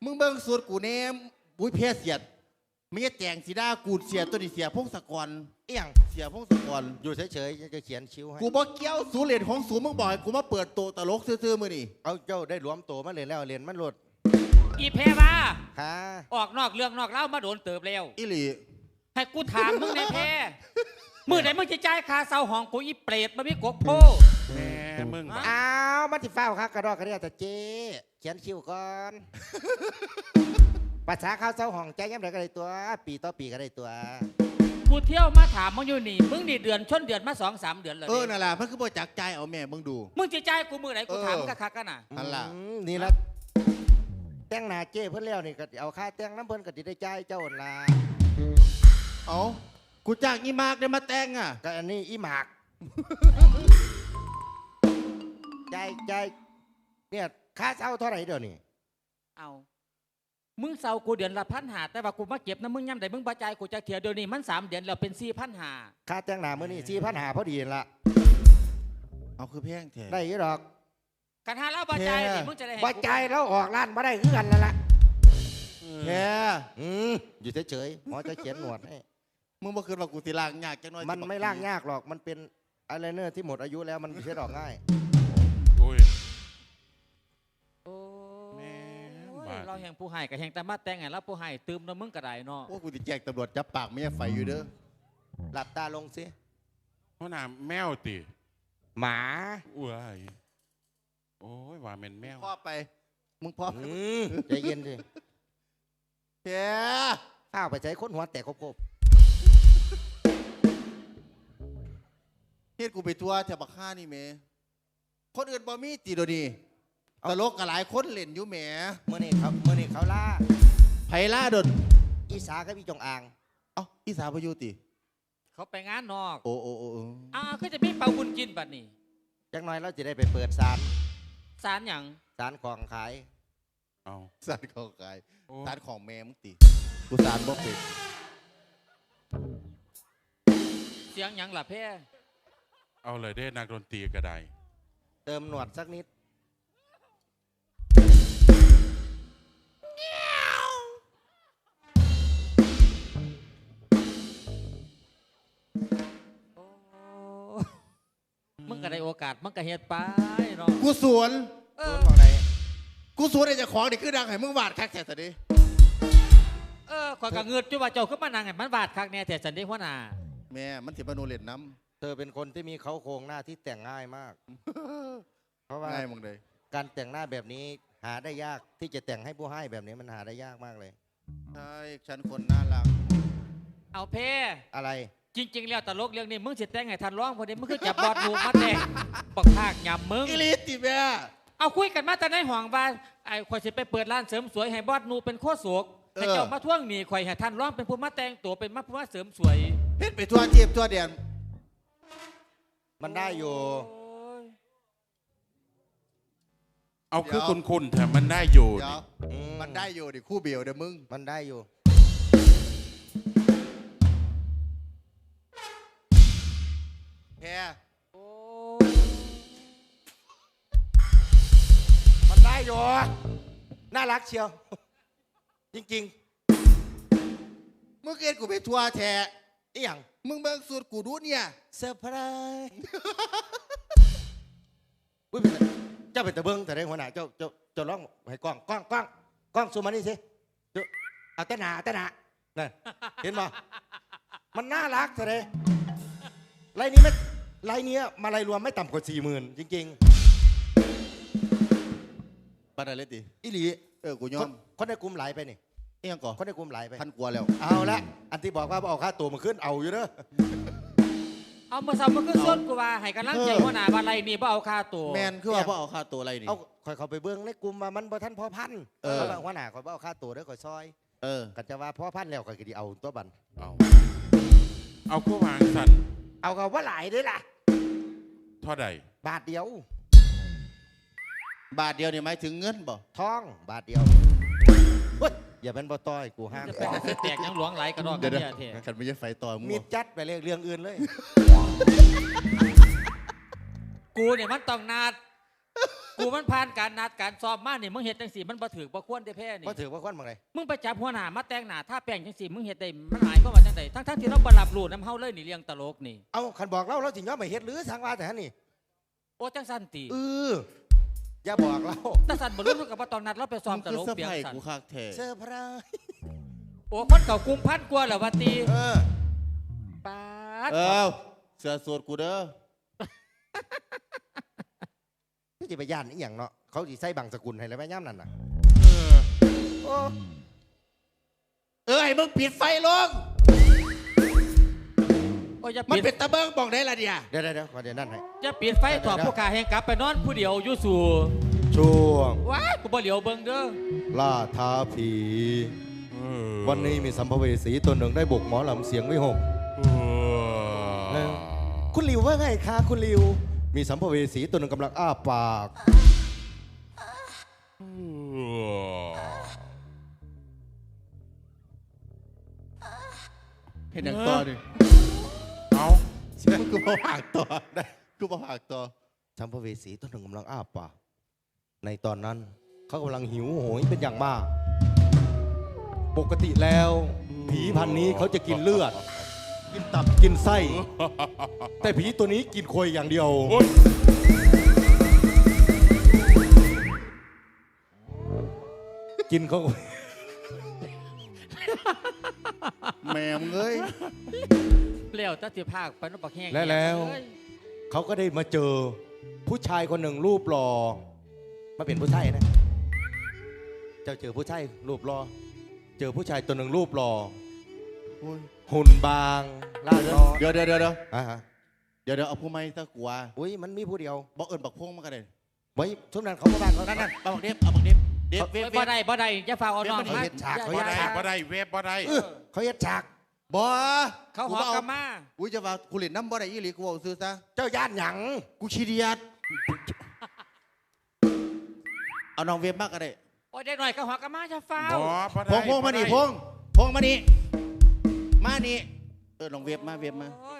มึงเบิ่งสูตรกูแน่บุ้ยเพี้ยเสียดมีแจงสีดากูเสียตัวนี้เสียพงศกรเอี่ยงเสียพงศกรอยู่เฉยๆจะเขียนคิ้วให้กูบอกเกี้ยวสูเรียนของสูมึงบอกให้กูมาเปิดโตตลกซื่อๆมือนี่เอาเจ้าได้รวมตัวมาเลยแล้วเรียนมันหลุดอีเพมาฮะออกนอกเรื่องนอกเล่ามาโดนเติบแล้วอีหลีให้กูถามมึงในเพมือไหนมึงจะจ่ายค่าเสาห้องกูอีเปรตมามีกกโพแม่มึงอ้าวมันสิเฝ้าครับกระดอกกระเดียแต่เจ๊เขียนคิ้วก่อนภาษาข้าวเจ้าห้องใจย้ำใดก็ได้ตัวปีต่อปีก็ได้ตัวกูเที่ยวมาถามมึงอยู่นี่มึงนี่เดือนชนเดือนมา2-3 เดือนเลยนั่นแหละมันคือบ่จักใจเอาแม่มึงดูมึงจะจ่ายกูมือไหนกูถามกะคักกันน่ะนั่นล่ะนี่ละแต่งหน้าเจ้เพิ่นแล้วนี่ก็เอาค่าแต่งน้ำเพิ่นก็จะได้จ่ายเจ้าล่ะเอากูจ้างอีมากได้มาแต่งอ่ะก็อันนี้อีหมากใจเนี่ยค่าเช่าเท่าไหร่เดี๋ยวนี้เอามึงเสากูเดือนละ1,500แต่ว่ากูมาเก็บนะมึงย่ำใดมึงบาจ่ายกูจะเถียเดี๋ยวนี้มัน3 เดือนแล้วเป็น4,500 ค่าแต่งหน้ามื้อนี้4,500พอดีละเอาคือแพงแท้ได้ยี่ดอกกันหาแล้วบาจ่ายนี่มึงจะได้บาจ่ายแล้วออกร้านมาได้คือกันแล้วล่ะแค่อยู่เฉยๆหมอจะเขียนหนวดให้มึงบ่คืนว่ากูสิล้างยากจังน้อยมันไม่ล้างยากหรอกมันเป็นอะไรเนอร์ที่หมดอายุแล้วมันเช็ดออกง่ายโอ้ยแม่เราแห่งผู้ให้กับแห่งแต่มาแต่งไงแล้วผู้ให้ตืมนะมึงกระไดเนาะโอ้กูจะแจกตำรวจจับปากไม่ใช่ไฟอยู่เด้อหลับตาลงสิเพราะน่ะแมวติหมาอุ้ยโอ้ยว่าเป็นแมวพ่อไปมึงพ่อใจเย็นดิแค่ข้าวไปใช้ค้นหัวแตกครบเฮ็ดกูไปทัวร์แถวบักฆ่านี่แม่คนอื่นบ่มีติโดดีตลกกับหลายคนเล่นอยู่แหมเมื่อนี้เขาล่าไผล่าดนอีสากับอีจงอ่างอีสาพยุติเขาไปงานนอกโอ้ก็จะมีเป่าบุญกินบัดนี้จังน้อยเราจะได้ไปเปิดศาลอย่างศาลของขายศาลของขายศาลของแม่มึงติกูศาลบ่เป็นเสียงหยังล่ะเพ่เอาเลยได้นักดนตรีก็ได้เติมหนวดสักนิดมึงก็ได้โอกาสมึงก็เฮ็ดไปเนาะกูสวนบอกไหนกูสวนไอ้เจ้าของนี่คือดังให้มึงวาดคักแท้ซะดิขอยกะเงือดจุว่าเจ้าขึ้นมานั่งให้มันวาดคักแน่แต่สันเด้หัวหน้าแม่มันสิมาโนเล่นน้ำเธอเป็นคนที่มีเขาโครงหน้าที่แต่งง่ายมากเพราะว่าง่ายมึงเลยการแต่งหน้าแบบนี้หาได้ยากที่จะแต่งให้ผู้ให้แบบนี้มันหาได้ยากมากเลยใช่ฉันคนน่ารักเอาเพ่อะไรจริงๆแล้วตลกเรื่องนี้มึงสิแต่งให้ทันร้องพอดีมึงคือจับบอดดูมาแต่งปักภาคยำมึงอิลิติแม่เอาคุยกันมาแต่ในห้องบ้านไอ้ข่อยสิไปเปิดร้านเสริมสวยให้บอดนูเป็นโคโศกให้เจ้ามาท่วงหนีข่อยให้ทันร้องเป็นผู้มาแต่งตัวเป็นมาผู้มาเสริมสวยเฮ็ดไปทั่วเทียบทั่วเดียนมันได้อยู่เอาคือคุณแต่มันได้อยู่มันได้อยู่ดิคู่เบียวเด้อมึงมันได้อยู่แค่มันได้อยู่น่ารักเชียวจริงๆมึงเกิดกูไปทัวร์แท้อีหยังมึงเบิ่งสูตรกูดูเนี่ยเซอร์ไพรส์เจ้าเป็นตะเบิ้งแต่ได้หัวหน้าเจ้าร้องให้กล้องซูมมานี่สิเอาแต่หนานั่นเห็นป่ะมันน่ารักแต่ได้ไลน์นี้มาลายรวมไม่ต่ำกว่า40,000จริงๆปัดอะไรติอีหลีกูยอมคนในกลุ่มหลายไปนี่เอียงก่อนคนในกลุ่มหลายไปพันกว่าแล้วเอาละอันที่บอกว่าเอาค่าตัวมาขึ้นเอาอยู่เด้อเอามาซ้ำมาขึ้นส้นกูว่าให้กำลังใจหัวหน้าว่าไรนี่บ่เอาค่าตัวแมนคือว่าบ่เอาค่าตัวอะไรนี่เอาคอยเขาไปเบิ้งในกลุ่มว่ามันบ่ท่านพ่อพันหัวหน้าคอยบ่เอาค่าตัวเด้อคอยซอยกันจะว่าพ่อพันแล้วคอยก็ดีเอาตัวบันเอาคู่วางสันเอากับว่าหลายด้วยล่ะเท่าใดบาทเดียวนี่หมายถึงเงินบ่ทองบาทเดียวอย่าเป็นบ่ต้อยกูห้ามแตกยังหลวงไหลกระดองกันเนี่ยเถอะขันไม่ใช่ไฟต่อมึงมีจัดไปเรื่องอื่นเลยกูเนี่ยมันต้องนาดกูมันผ่านการนัดการซ้อมมานี่มึงเฮ็ดจังสี่มันบ่ถือบ่ควรได้แพ้นี่ว่าถือว่าควันบางไรมึงไปจับหัวหน้ามาแต่งหน้าท่าแป้งจังสี่มึงเฮ็ดได้มันหมายความว่าจังไดทั้งที่เราบ่รับรู้น้ำเฮาเลยนี่เรื่องตลกนี่เอาคันบอกเราสิย้อมไปเฮ็ดหรือทางว่าแต่ฮะนี่โอ้จังสั่นติอย่าบอกเราแต่สั่นบ่รู้มันก็บ่ต้องนัดเราไปซ้อมตลกเสื้อเปียงผ้าสั่นกูคักแท้เซอร์ไพรส์โอ้คนเก่ากรุงพันกว่าแล้วว่าติ ปาดเสื้อสูทกูเด้อที่จะไปย่านนี่อย่างเนาะเขาสิใส่บางสกุลให้แล้วแม่ย่ำนั่นน่ะโอ้ให้มึงปิดไฟลงโอ้ยอย่ามันปิดเป็นตะเบิงบอกได้ละเดียเดี๋ยวขอเดี๋ยวนั่นให้อย่าปิดไฟถอดผู้ขาแห่งกลับไปนอนผู้เดียวอยู่สู่ช่วงว้ายกูบ่เหลียวเบิ่งเด้อล่าท้าผี วันนี้มีสัมภเวสีตัวหนึ่งได้บุกหมอลำเสียงวิหก คุณลิวว่าไงคะคุณลิว มีสัมภเวสีตัวหนึ่งกำลังอ้าปากเห็นอย่างต่อดิเอากูมาผากต่อได้กูมาผากต่อสัมภเวสีตัวหนึ่งกำลังอ้าปาก ในตอนนั้นเขากำลังหิวโหยเป็นอย่างมาก ปกติแล้ว ผีพันนี้เขาจะกินเลือด กินตับกินไส้ แต่ผีตัวนี้กินโคยอย่างเดียวโอ๊ยกินเขาแม่มึงเอ้ยเปลี่ยวตะสิภาคไปนบักแห้งและแล้วเอ้ยเขาก็ได้มาเจอ ผู้ชายคนหนึ่งรูปหล่อมาเป็นผู้ชายนะ เจ้าเจอผู้ชายรูปหล่อเจอผู้ชายตัวหนึ่งรูปหล่อโอ้ยหุ่นบางล่าร้อนเดี๋ยวอ่าฮะเอาผู้ไม่ตะกัวอุ้ยมันมีผู้เดียวบอกเอิญบักพงมากันเลยไว้ช่วงนั้นเขาก็บ้านเขานั่นเอาบักเด็บเอาบักเด็บเด็บเว็บบ่ได้บ่ได้อย่าฝากเอาน้องเดี๋ยวมันมาเฮ็ดฉากเขาบ่เฮ็ได้ฉากบ่ได้เว็บบ่ได้เขาเฮ็ดฉากบ่เขาหอกลับมาอุ้ยจะว่ากูเล่นน้ำบ่ได้อีหลีกูบอกซื้อซะเจ้าย่านหยังกูขี้เดียดเอาน้องเว็บมากกันเลยโอ้ยได้หน่อยก็หอกลับมาจะฟ้าบ่วบ่ได้พงมานี่บ่ได้พงมานี่มานี่น้องเว็บมาโอ้ย